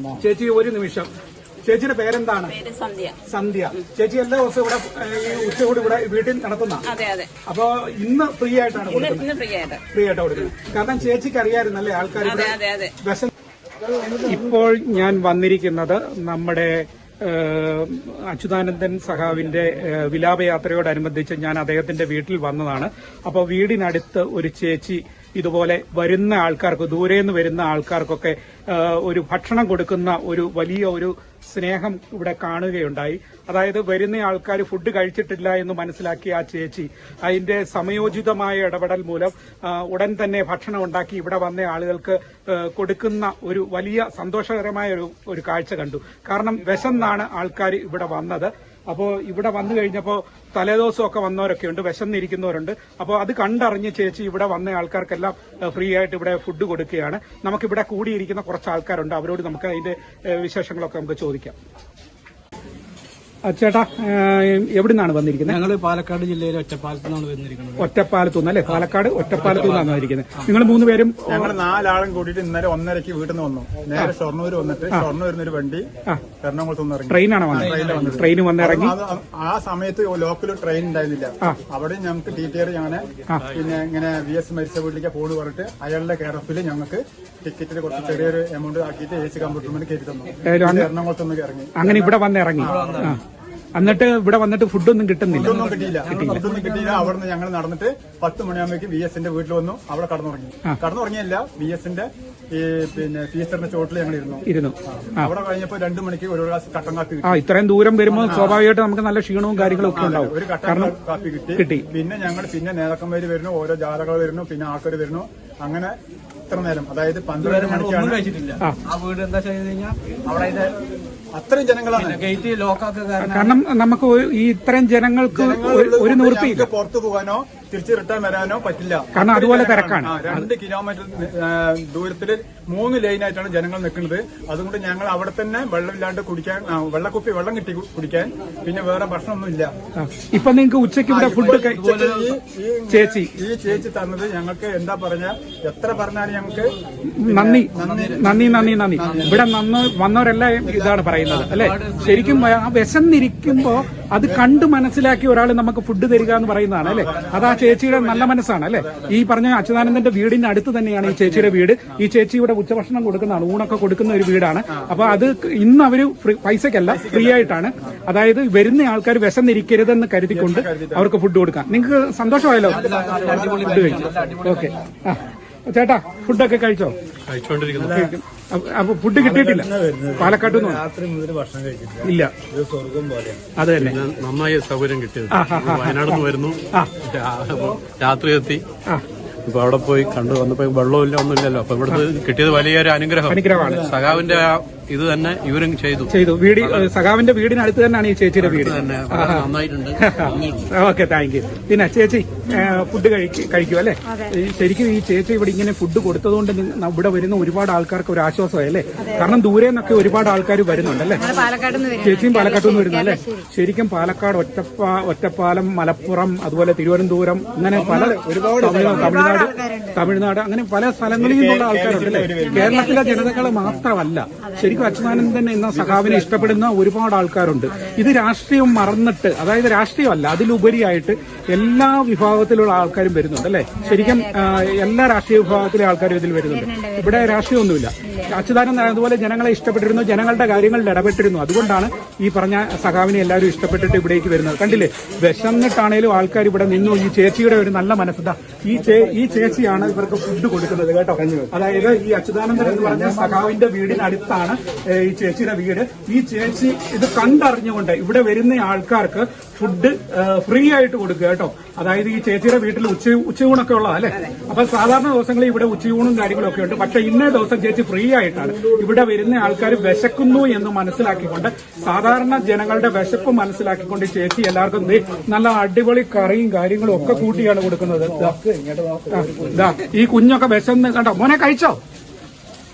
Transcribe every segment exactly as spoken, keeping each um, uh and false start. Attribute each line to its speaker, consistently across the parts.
Speaker 1: ചേച്ചി ഒരു നിമിഷം. ചേച്ചിയുടെ പേരെന്താണ്?
Speaker 2: സന്ധ്യ.
Speaker 1: സന്ധ്യ. ചേച്ചി എല്ലാ ദിവസവും ഇവിടെ ഈ ഉച്ചകൂടി ഇവിടെ വീട്ടിൽ നടത്തുന്ന?
Speaker 2: അതെ അതെ.
Speaker 1: അപ്പൊ ഇന്ന് ഫ്രീ ആയിട്ടാണ് കൊടുക്കുന്നത്?
Speaker 2: ഫ്രീ ആയിട്ട്
Speaker 1: ഫ്രീ ആയിട്ടാണ് കൊടുക്കുന്നത്. കാരണം ചേച്ചിക്ക് അറിയാമായിരുന്നല്ലേ ആൾക്കാർ വിഷം. ഇപ്പോൾ ഞാൻ വന്നിരിക്കുന്നത് നമ്മുടെ അച്യുതാനന്ദൻ സഖാവിന്റെ വിലാപയാത്രയോടനുബന്ധിച്ച് ഞാൻ അദ്ദേഹത്തിന്റെ വീട്ടിൽ വന്നതാണ്. അപ്പോൾ വീടിനടുത്ത് ഒരു ചേച്ചി ഇതുപോലെ വരുന്ന ആൾക്കാർക്ക്, ദൂരെ നിന്ന് വരുന്ന ആൾക്കാർക്കൊക്കെ ഒരു ഭക്ഷണം കൊടുക്കുന്ന ഒരു വലിയ ഒരു സ്നേഹം ഇവിടെ കാണുകയുണ്ടായി. അതായത് വരുന്ന ആൾക്കാർ ഫുഡ് കഴിച്ചിട്ടില്ല എന്ന് മനസ്സിലാക്കിയ ആ ചേച്ചി അതിന്റെ സമയോചിതമായ ഇടപെടൽ മൂലം ഉടൻ തന്നെ ഭക്ഷണം ഉണ്ടാക്കി ഇവിടെ വന്ന ആളുകൾക്ക് കൊടുക്കുന്ന ഒരു വലിയ സന്തോഷകരമായ ഒരു ഒരു കാഴ്ച കണ്ടു. കാരണം വിശന്നാണ് ആൾക്കാർ ഇവിടെ വന്നത്. അപ്പോൾ ഇവിടെ വന്നു കഴിഞ്ഞപ്പോൾ തലേദിവസമൊക്കെ വന്നവരൊക്കെ ഉണ്ട്, വിശന്നിരിക്കുന്നവരുണ്ട്. അപ്പോൾ അത് കണ്ടറിഞ്ഞ് ചേച്ചി ഇവിടെ വന്ന ആൾക്കാർക്കെല്ലാം ഫ്രീ ആയിട്ട് ഇവിടെ ഫുഡ് കൊടുക്കുകയാണ്. നമുക്കിവിടെ കൂടിയിരിക്കുന്ന കുറച്ച് ആൾക്കാരുണ്ട്, അവരോട് നമുക്ക് അതിന്റെ വിശേഷങ്ങളൊക്കെ നമുക്ക് ചോദിക്കാം. ചേട്ടാ, എവിടെ നിന്നാണ് വന്നിരിക്കുന്നത്?
Speaker 3: ഞങ്ങൾ പാലക്കാട് ജില്ലയിലെ ഒറ്റപ്പാലത്തു നിന്നാണ് വന്നിരിക്കുന്നത്.
Speaker 1: ഒറ്റപ്പാലത്തു നിന്ന് അല്ലേ? പാലക്കാട് ഒറ്റപ്പാലത്തു നിന്നാണ് വന്നിരിക്കുന്നത്. നിങ്ങൾ മൂന്ന് പേരും?
Speaker 4: ഞങ്ങൾ നാലാളും കൂടിയിട്ട് ഇന്നലെ ഒന്നരക്ക് വീട്ടിൽ നിന്ന് വന്നു. നേരെ ഷൊർണൂർ വന്നിട്ട് ഷൊർണൂരിൽ ഒരു വണ്ടി എറണാകുളത്ത് നിന്ന് ഇറങ്ങി.
Speaker 1: ട്രെയിനാണ് വന്നത്? ട്രെയിൻ വന്നിറങ്ങി.
Speaker 4: ആ സമയത്ത് ലോക്കൽ ട്രെയിൻ ഉണ്ടായിരുന്നില്ല. അവിടെ ഞങ്ങൾക്ക് ടി ടി ആർ ഞങ്ങനെ പിന്നെ ഇങ്ങനെ വി എസ് മരിച്ച വീട്ടിലേക്ക് ഫോണ് പറഞ്ഞിട്ട് അയാളുടെ കെയർ ഓഫിൽ ഞങ്ങൾക്ക് ടിക്കറ്റിൽ കുറച്ച് ചെറിയൊരു എമൗണ്ട് ആക്കിയിട്ട് എ സി കമ്പ്യൂട്ടറിൽ കയറ്റി തന്നു. എറണാകുളത്ത് നിന്ന് ഇറങ്ങി.
Speaker 1: അങ്ങനെ ഇവിടെ വന്ന് ഇറങ്ങി. എന്നിട്ട് ഇവിടെ വന്നിട്ട് ഫുഡൊന്നും കിട്ടുന്നില്ല?
Speaker 4: ഒന്നും കിട്ടിയില്ല. ഫുഡൊന്നും കിട്ടിയില്ല. അവിടെ നിന്ന് ഞങ്ങൾ നടന്നിട്ട് പത്ത് മണിയാകുമ്പോഴേക്കും വി എസിന്റെ വീട്ടിൽ വന്നു. അവിടെ കടന്നുറങ്ങി. കടന്നുറങ്ങിയല്ല, വി എസിന്റെ ഈ പിന്നെ ടീച്ചറിന്റെ ചോട്ടിൽ ഞങ്ങൾ ഇരുന്നു
Speaker 1: ഇരുന്നു
Speaker 4: അവിടെ കഴിഞ്ഞപ്പോൾ രണ്ടു മണിക്ക് ഒരു ഗ്ലാസ് കട്ടൻ കാപ്പി കിട്ടി.
Speaker 1: ആ ഇത്രയും ദൂരം വരുമ്പോൾ സ്വാഭാവികമായിട്ട് നമുക്ക് നല്ല ക്ഷീണവും കാര്യങ്ങളും ഒക്കെ ഉണ്ടാവും.
Speaker 4: ഒരു കട്ടൻ കാപ്പി കിട്ടി കിട്ടി പിന്നെ ഞങ്ങൾ പിന്നെ നേതാക്കന്മാര് വരുന്നു, ഓരോ ജാഥകൾ വരുന്നു, പിന്നെ ആൾക്കാർ വരുന്നു. അങ്ങനെ ഇത്ര നേരം, അതായത് പന്ത്രണ്ട് മണിക്കാണ് കഴിച്ചിട്ടില്ല. ആ വീട് എന്താ ചെയ്ത് കഴിഞ്ഞാൽ അവിടെ അത്രയും ജനങ്ങളാണ് ഗേറ്റ് ലോക്കാക്കുക.
Speaker 1: കാരണം നമുക്ക് ഈ ഇത്രയും ജനങ്ങൾക്ക് ഒരു നിവൃത്തി
Speaker 4: പുറത്തു പോകാനോ തിരിച്ച് റിട്ടേൺ വരാനോ പറ്റില്ല.
Speaker 1: കാരണം അതുപോലെ തിരക്കാണ്.
Speaker 4: രണ്ട് കിലോമീറ്റർ ദൂരത്തിൽ മൂന്ന് ലൈനായിട്ടാണ് ജനങ്ങൾ നിൽക്കുന്നത്. അതുകൊണ്ട് ഞങ്ങൾ അവിടെ തന്നെ വെള്ളമില്ലാണ്ട് കുടിക്കാൻ, വെള്ളക്കുപ്പി വെള്ളം കിട്ടി കുടിക്കാൻ, പിന്നെ വേറെ ഭക്ഷണമൊന്നും ഇല്ല.
Speaker 1: ഇപ്പൊ നിങ്ങൾക്ക് ഉച്ചയ്ക്ക് ഇവിടെ ഫുഡ് ചേച്ചി
Speaker 4: ഈ ചേച്ചി തന്നത് ഞങ്ങൾക്ക് എന്താ പറഞ്ഞ എത്ര പറഞ്ഞാലും ഞങ്ങൾക്ക്
Speaker 1: നന്ദി നന്ദി നന്ദി നന്ദി. ഇവിടെ നന്ന് വന്നവരെല്ലാം ഇതാണ് പറയുന്നത് അല്ലെ. ശരിക്കും ആ വിശന്നിരിക്കുമ്പോ അത് കണ്ട് മനസ്സിലാക്കി ഒരാൾ നമുക്ക് ഫുഡ് തരിക എന്ന് പറയുന്നതാണ് അല്ലെ. അത് ആ ചേച്ചിയുടെ നല്ല മനസ്സാണ് അല്ലെ. ഈ പറഞ്ഞ അച്യുതാനന്ദന്റെ വീടിന്റെ അടുത്ത് തന്നെയാണ് ഈ ചേച്ചിയുടെ വീട്. ഈ ചേച്ചി ഇവിടെ ഉച്ചഭക്ഷണം കൊടുക്കുന്നതാണ്, ഊണൊക്കെ കൊടുക്കുന്ന ഒരു വീടാണ്. അപ്പൊ അത് ഇന്ന് അവര് പൈസക്കല്ല, ഫ്രീ ആയിട്ടാണ്. അതായത് വരുന്ന ആൾക്കാർ വിശന്നിരിക്കരുതെന്ന് കരുതിക്കൊണ്ട് അവർക്ക് ഫുഡ് കൊടുക്കാം. നിങ്ങൾക്ക് സന്തോഷമായല്ലോ ഫുഡ് കഴിച്ചു? ഓക്കെ. ആ ചേട്ടാ, ഫുഡൊക്കെ കഴിച്ചോ? അപ്പൊ ഫുഡ് കിട്ടിയിട്ടില്ല പാലക്കാട്ട് നിന്ന്?
Speaker 4: രാത്രി മുതൽ ഭക്ഷണം കഴിച്ചിട്ടില്ല.
Speaker 1: ഇല്ല,
Speaker 4: സ്വർഗം പോലെ.
Speaker 1: അത് തന്നെ.
Speaker 3: നന്നായി സൗകര്യം കിട്ടിയത്. വയനാട് നിന്ന് വരുന്നു, രാത്രി എത്തി. ഇപ്പൊ അവിടെ പോയി കണ്ടു വന്നപ്പോ വെള്ളമില്ല, ഒന്നുമില്ലല്ലോ. അപ്പൊ ഇവിടുന്ന് കിട്ടിയത് വലിയൊരു അനുഗ്രഹം അനുഗ്രഹമാണ്. സഖാവിന്റെ ഇത് തന്നെ ഇവരും ചെയ്തു
Speaker 1: ചെയ്തു വീട് സഖാവിന്റെ വീടിനടുത്ത് തന്നെയാണ് ഈ ചേച്ചിയുടെ വീട്.
Speaker 3: നന്നായിട്ടുണ്ട്.
Speaker 1: Okay, thank you. പിന്നെ ചേച്ചി ഫുഡ് കഴിക്കും അല്ലെ? ശരിക്കും ഈ ചേച്ചി ഇവിടെ ഇങ്ങനെ ഫുഡ് കൊടുത്തതുകൊണ്ട് ഇവിടെ വരുന്ന ഒരുപാട് ആൾക്കാർക്ക് ഒരു ആശ്വാസമായി അല്ലേ? കാരണം ദൂരെ നിന്നൊക്കെ ഒരുപാട് ആൾക്കാർ വരുന്നുണ്ടല്ലേ? ചേച്ചിയും പാലക്കാട്ട് നിന്ന് വരുന്നു അല്ലേ? ശരിക്കും പാലക്കാട്, ഒറ്റപ്പാ ഒറ്റപ്പാലം, മലപ്പുറം, അതുപോലെ തിരുവനന്തപുരം, അങ്ങനെ പല ഒരുപാട് തമിഴ്നാട് തമിഴ്നാട് അങ്ങനെ പല സ്ഥലങ്ങളിൽ നിന്നുള്ള ആൾക്കാരുണ്ട് അല്ലേ? കേരളത്തിലെ ജനതകൾ മാത്രമല്ല, ശരിക്കും അച്യുതാനന്ദൻ എന്ന സഖാവിനെ ഇഷ്ടപ്പെടുന്ന ഒരുപാട് ആൾക്കാരുണ്ട്. ഇത് രാഷ്ട്രീയം മറന്നിട്ട്, അതായത് രാഷ്ട്രീയമല്ല, അതിലുപരിയായിട്ട് എല്ലാ വിഭാഗത്തിലുള്ള ആൾക്കാരും വരുന്നുണ്ട് അല്ലെ? ശരിക്കും എല്ലാ രാഷ്ട്രീയ വിഭാഗത്തിലെ ആൾക്കാരും ഇതിൽ വരുന്നുണ്ട്. ഇവിടെ രാഷ്ട്രീയമൊന്നുമില്ല. അച്യുതാനന്ദൻ അതുപോലെ ജനങ്ങളെ ഇഷ്ടപ്പെട്ടിരുന്നു, ജനങ്ങളുടെ കാര്യങ്ങളിൽ ഇടപെട്ടിരുന്നു. അതുകൊണ്ടാണ് ഈ പറഞ്ഞ സഖാവിനെ എല്ലാവരും ഇഷ്ടപ്പെട്ടിട്ട് ഇവിടേക്ക് വരുന്നത്. കണ്ടില്ലേ, വിശന്നിട്ടാണേലും ആൾക്കാർ ഇവിടെ നിന്നു. ഈ ചേച്ചിയുടെ ഒരു നല്ല മനസ്സതാ. ഈ ഈ ചേച്ചിയാണ് ഇവർക്ക് ഫുഡ് കൊടുക്കുന്നത് കേട്ടോ. അതായത് ഈ അച്യുതാനന്ദൻ എന്ന് പറഞ്ഞ സഖാവിന്റെ വീടിനടുത്താണ് ഈ ചേച്ചിയുടെ വീട്. ഈ ചേച്ചി ഇത് കണ്ടറിഞ്ഞുകൊണ്ട് ഇവിടെ വരുന്ന ആൾക്കാർക്ക് ഫുഡ് ഫ്രീ ആയിട്ട് കൊടുക്കുക കേട്ടോ. അതായത് ഈ ചേച്ചിയുടെ വീട്ടിൽ ഉച്ച ഉച്ചയൂണൊക്കെ ഉള്ളതാ അല്ലെ? അപ്പൊ സാധാരണ ദിവസങ്ങളിൽ ഇവിടെ ഉച്ചയൂണും കാര്യങ്ങളൊക്കെ ഉണ്ട്. പക്ഷെ ഇന്നേ ദിവസം ചേച്ചി ഫ്രീ ആയിട്ടാണ്. ഇവിടെ വരുന്ന ആൾക്കാർ വിശക്കുന്നു എന്ന് മനസ്സിലാക്കിക്കൊണ്ട്, സാധാരണ ജനങ്ങളുടെ വിശപ്പ് മനസ്സിലാക്കിക്കൊണ്ട് ചേച്ചി എല്ലാവർക്കും നല്ല അടിപൊളി കറിയും കാര്യങ്ങളും ഒക്കെ കൂട്ടിയാണ് കൊടുക്കുന്നത്. ഈ കുഞ്ഞൊക്കെ വിശന്ന് കണ്ടോ? മോനെ കഴിച്ചോ?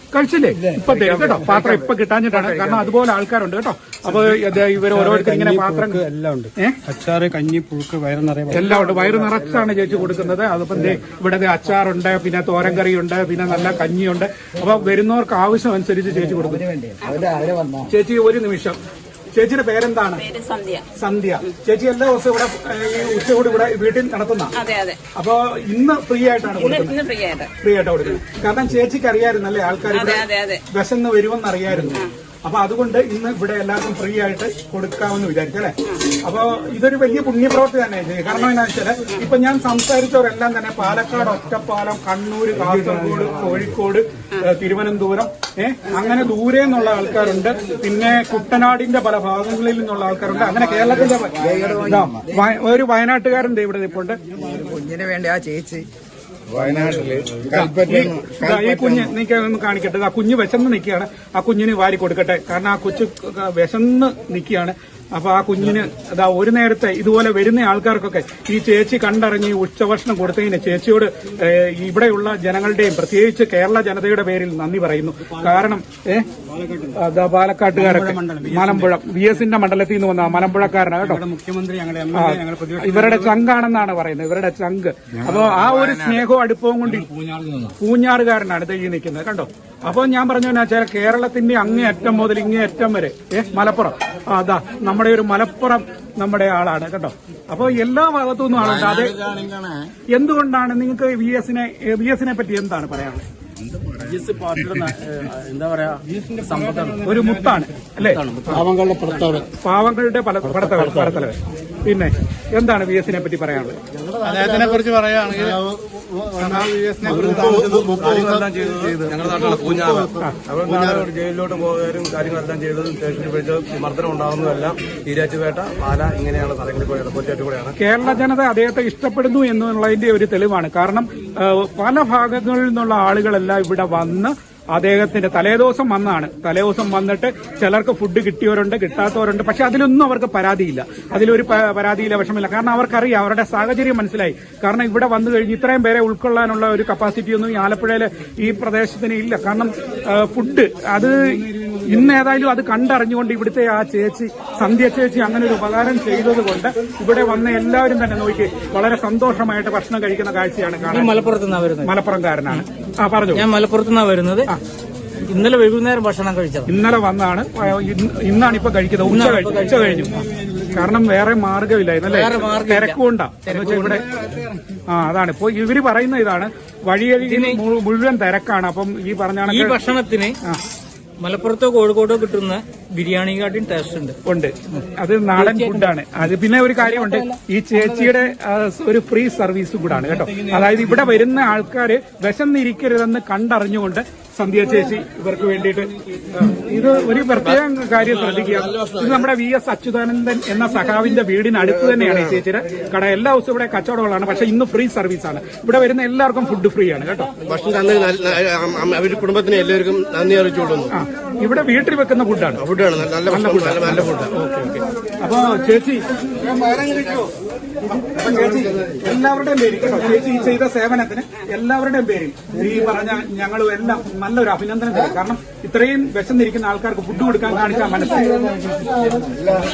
Speaker 1: കഴിച്ചില്ലേ? ഇപ്പൊ തരും കേട്ടോ, പാത്രം ഇപ്പൊ കിട്ടാഞ്ഞിട്ടാണ്, കാരണം അതുപോലെ ആൾക്കാരുണ്ട് കേട്ടോ. അപ്പൊ ഇവർ ഓരോരുത്തർ ഇങ്ങനെ പാത്രം
Speaker 2: എല്ലാം ഉണ്ട്, അച്ചാറ്, കഞ്ഞി, പുഴുക്ക്, വയറ് നിറയെ
Speaker 1: എല്ലാം ഉണ്ട്. വയറ് നിറച്ചാണ് ചേച്ചി കൊടുക്കുന്നത്. അതിപ്പം ഇവിടെ അച്ചാറുണ്ട്, പിന്നെ തോരൻ കറിയുണ്ട്, പിന്നെ നല്ല കഞ്ഞിയുണ്ട്. അപ്പൊ വരുന്നവർക്ക് ആവശ്യം അനുസരിച്ച് ചേച്ചി കൊടുക്കും. ചേച്ചി ഒരു നിമിഷം, ചേച്ചിയുടെ പേരെന്താണ്?
Speaker 5: സന്ധ്യ.
Speaker 1: സന്ധ്യ. ചേച്ചി എല്ലാ ദിവസവും ഇവിടെ ഈ ഉച്ചകൂടി ഇവിടെ വീട്ടിൽ നടത്തുന്ന?
Speaker 5: അതെ അതെ.
Speaker 1: അപ്പൊ ഇന്ന് ഫ്രീ ആയിട്ടാണ് കൊടുക്കുന്നത്?
Speaker 5: ഫ്രീ ആയിട്ട്
Speaker 1: ഫ്രീ ആയിട്ട് കൊടുക്കുന്നത്. കാരണം ചേച്ചിക്ക് അറിയാമായിരുന്നല്ലേ ആൾക്കാർ വിശന്ന് വരുമെന്ന് അറിയായിരുന്നു. അപ്പൊ അതുകൊണ്ട് ഇന്ന് ഇവിടെ എല്ലാവർക്കും ഫ്രീ ആയിട്ട് കൊടുക്കാമെന്ന് വിചാരിച്ചല്ലേ. അപ്പൊ ഇതൊരു വലിയ പുണ്യപ്രവൃത്തി തന്നെ. കാരണം എന്താ വെച്ചാല് ഇപ്പൊ ഞാൻ സംസാരിച്ചവരെല്ലാം തന്നെ പാലക്കാട്, ഒറ്റപ്പാലം, കണ്ണൂർ, കാസർഗോഡ്, കോഴിക്കോട്, തിരുവനന്തപുരം, ഏഹ് അങ്ങനെ ദൂരെ നിന്നുള്ള ആൾക്കാരുണ്ട്. പിന്നെ കുട്ടനാടിന്റെ പല ഭാഗങ്ങളിൽ നിന്നുള്ള ആൾക്കാരുണ്ട്. അങ്ങനെ കേരളത്തിന്റെ ഒരു വയനാട്ടുകാരൻ ഇവിടെ നിൽപ്പുണ്ട്.
Speaker 2: കുഞ്ഞിന് വേണ്ടി ആ ചേച്ചി
Speaker 1: വയനാട്ടില് ഈ കുഞ്ഞ് നീക്ക് ഒന്ന് കാണിക്കട്ടെ. ആ കുഞ്ഞ് വിശന്ന് നിൽക്കുകയാണ്. ആ കുഞ്ഞിന് വാരി കൊടുക്കട്ടെ. കാരണം ആ കൊച്ചു വിശന്ന് നിൽക്കുകയാണ്. അപ്പൊ ആ കുഞ്ഞിന് അതാ ഒരു നേരത്തെ ഇതുപോലെ വരുന്ന ആൾക്കാർക്കൊക്കെ ഈ ചേച്ചി കണ്ടറിഞ്ഞ് ഉച്ചഭക്ഷണം കൊടുത്തതിന് ചേച്ചിയോട് ഇവിടെയുള്ള ജനങ്ങളുടെയും പ്രത്യേകിച്ച് കേരള ജനതയുടെ പേരിൽ നന്ദി പറയുന്നു. കാരണം ഏഹ് അതാ പാലക്കാട്ടുകാരൊക്കെ മലമ്പുഴ വി എസിന്റെ മണ്ഡലത്തിൽ നിന്ന് വന്ന മലമ്പുഴക്കാരനാണ് കേട്ടോ.
Speaker 2: മുഖ്യമന്ത്രി
Speaker 1: ഇവരുടെ ചങ്കാണെന്നാണ് പറയുന്നത്, ഇവരുടെ ചങ്ക്. അപ്പൊ ആ ഒരു സ്നേഹവും അടുപ്പവും കൊണ്ട് പൂഞ്ഞാറുകാരനാണ് ഇത് ഈ നിൽക്കുന്നത് കണ്ടോ. അപ്പൊ ഞാൻ പറഞ്ഞു വെച്ചാൽ കേരളത്തിന്റെ അങ്ങേയറ്റം മുതൽ ഇങ്ങേയറ്റം വരെ ഏഹ് മലപ്പുറം, അതാ നമ്മുടെ ഒരു മലപ്പുറം നമ്മുടെ ആളാണ് കേട്ടോ. അപ്പൊ എല്ലാ ഭാഗത്തു നിന്നും ആളുണ്ട്. അത് എന്തുകൊണ്ടാണ് നിങ്ങൾക്ക് വി എസിനെ വി എസിനെ പറ്റി എന്താണ് പറയാനുള്ളത്?
Speaker 2: എന്താ പറയാ,
Speaker 1: ഒരു മുത്താണ് അല്ലേ,
Speaker 2: പാവങ്ങളുടെ പുറത്തവർ,
Speaker 1: പാവങ്ങളുടെ പല പടത്തലവൻ. പിന്നെ എന്താണ് വി എസിനെ പറ്റി പറയാനുള്ളത്?
Speaker 2: അദ്ദേഹത്തിനെ കുറിച്ച് പറയുകയാണെങ്കിൽ
Speaker 6: ഞങ്ങളുടെ നാട്ടിലുള്ള പൂഞ്ഞാറ് പൂഞ്ഞാറ് ജയിലിലോട്ട് പോകാനും കാര്യങ്ങളെല്ലാം ചെയ്തതും സ്റ്റേഷനിൽ വെച്ച് മർദ്ദനം ഉണ്ടാകുന്നതെല്ലാം ഈരാറ്റുപേട്ട, പാല ഇങ്ങനെയുള്ള സ്ഥലങ്ങളിൽ കൂടെയാണ്, പോറ്റാറ്റ് കൂടെയാണ്.
Speaker 1: കേരള ജനത അദ്ദേഹത്തെ ഇഷ്ടപ്പെടുന്നു എന്നുള്ളതിന്റെ ഒരു തെളിവാണ്. കാരണം പല ഭാഗങ്ങളിൽ നിന്നുള്ള ആളുകളെല്ലാം ഇവിടെ വന്ന് അദ്ദേഹത്തിന്റെ തലേദിവസം വന്നാണ്. തലേദിവസം വന്നിട്ട് ചിലർക്ക് ഫുഡ് കിട്ടിയവരുണ്ട്, കിട്ടാത്തവരുണ്ട്. പക്ഷെ അതിലൊന്നും അവർക്ക് പരാതിയില്ല, അതിലൊരു പരാതിയില്ല, വിഷമില്ല. കാരണം അവർക്കറിയാം, അവരുടെ സാഹചര്യം മനസ്സിലായി. കാരണം ഇവിടെ വന്നു കഴിഞ്ഞ് ഇത്രയും പേരെ ഉൾക്കൊള്ളാനുള്ള ഒരു കപ്പാസിറ്റി ഒന്നും ഈ ആലപ്പുഴയിലെ ഈ പ്രദേശത്തിന് ഇല്ല. കാരണം ഫുഡ് അത് ഇന്ന് ഏതായാലും അത് കണ്ടറിഞ്ഞുകൊണ്ട് ഇവിടുത്തെ ആ ചേച്ചി സന്ധ്യ ചേച്ചി അങ്ങനെ ഒരു ഉപകാരം ചെയ്തത് കൊണ്ട് ഇവിടെ വന്ന എല്ലാവരും തന്നെ നോക്കി വളരെ സന്തോഷമായിട്ട് ഭക്ഷണം കഴിക്കുന്ന കാഴ്ചയാണ് കാണാൻ.
Speaker 7: മലപ്പുറത്തുനിന്നാണ് വരുന്നത്.
Speaker 1: മലപ്പുറംകാരനാണ്. ആ പറഞ്ഞു.
Speaker 7: ഞാൻ മലപ്പുറത്തുനിന്നാണ് വരുന്നത്. ഇന്നലെ വൈകുന്നേരം ഭക്ഷണം കഴിച്ചത്.
Speaker 1: ഇന്നലെ വന്നാണ്, ഇന്നാണ് ഇപ്പൊ കഴിക്കുന്നത്. ഉച്ച കഴിഞ്ഞു ഉച്ച കഴിഞ്ഞു കാരണം വേറെ മാർഗമില്ലായിരുന്നല്ലേ, തിരക്കുകൊണ്ടാ ഇവിടെ. ആ അതാണ് ഇപ്പൊ ഇവര് പറയുന്ന ഇതാണ്, വഴിയരികിൽ മുഴുവൻ തിരക്കാണ്. അപ്പം ഈ പറഞ്ഞാണ്
Speaker 7: ഈ ഭക്ഷണത്തിന് മലപ്പുറത്തോ കോഴിക്കോട്ടോ കിട്ടുന്ന ബിരിയാണിക്കാട്ടിയും ടേസ്റ്റ് ഉണ്ട്
Speaker 1: ഉണ്ട് അത് നാടൻ ഫുഡാണ്. അത് പിന്നെ ഒരു കാര്യമുണ്ട്, ഈ ചേച്ചിയുടെ ഒരു ഫ്രീ സർവീസ് കൂടാണ് കേട്ടോ. അതായത് ഇവിടെ വരുന്ന ആൾക്കാര് വിശന്നിരിക്കരുതെന്ന് കണ്ടറിഞ്ഞുകൊണ്ട് സന്ധ്യ ചേച്ചി ഇവർക്ക് വേണ്ടിയിട്ട് ഇത് ഒരു പ്രത്യേക കാര്യം ശ്രദ്ധിക്കുക. ഇത് നമ്മുടെ വി എസ് അച്യുതാനന്ദൻ എന്ന സഖാവിന്റെ വീടിനടുത്ത് തന്നെയാണ് ഈ ചേച്ചിയുടെ കട. എല്ലാ ദിവസവും ഇവിടെ കച്ചവടങ്ങളാണ്. പക്ഷെ ഇന്ന് ഫ്രീ സർവീസാണ്. ഇവിടെ വരുന്ന എല്ലാവർക്കും ഫുഡ് ഫ്രീ ആണ് കേട്ടോ.
Speaker 6: അവരുടെ കുടുംബത്തിന് എല്ലാവർക്കും നന്ദി അറിയിച്ചുകൊള്ളുന്നു.
Speaker 1: ആ ഇവിടെ വീട്ടിൽ വെക്കുന്ന ഫുഡാണ്.
Speaker 6: ഫുഡാണ് നല്ല ഫുഡ്, നല്ല ഫുഡ്.
Speaker 1: Okay okay. അപ്പൊ ചേച്ചി ചേച്ചി എല്ലാവരുടെയും പേര് കേട്ടോ, ചേച്ചി ഈ ചെയ്ത സേവനത്തിന് എല്ലാവരുടെയും പേരിൽ ഈ പറഞ്ഞ ഞങ്ങളും എല്ലാം നല്ലൊരു അഭിനന്ദനം തരും. കാരണം ഇത്രയും വിശന്നിരിക്കുന്ന ആൾക്കാർക്ക് ഫുഡ് കൊടുക്കാൻ കാണിച്ച മനസ്സിലായി.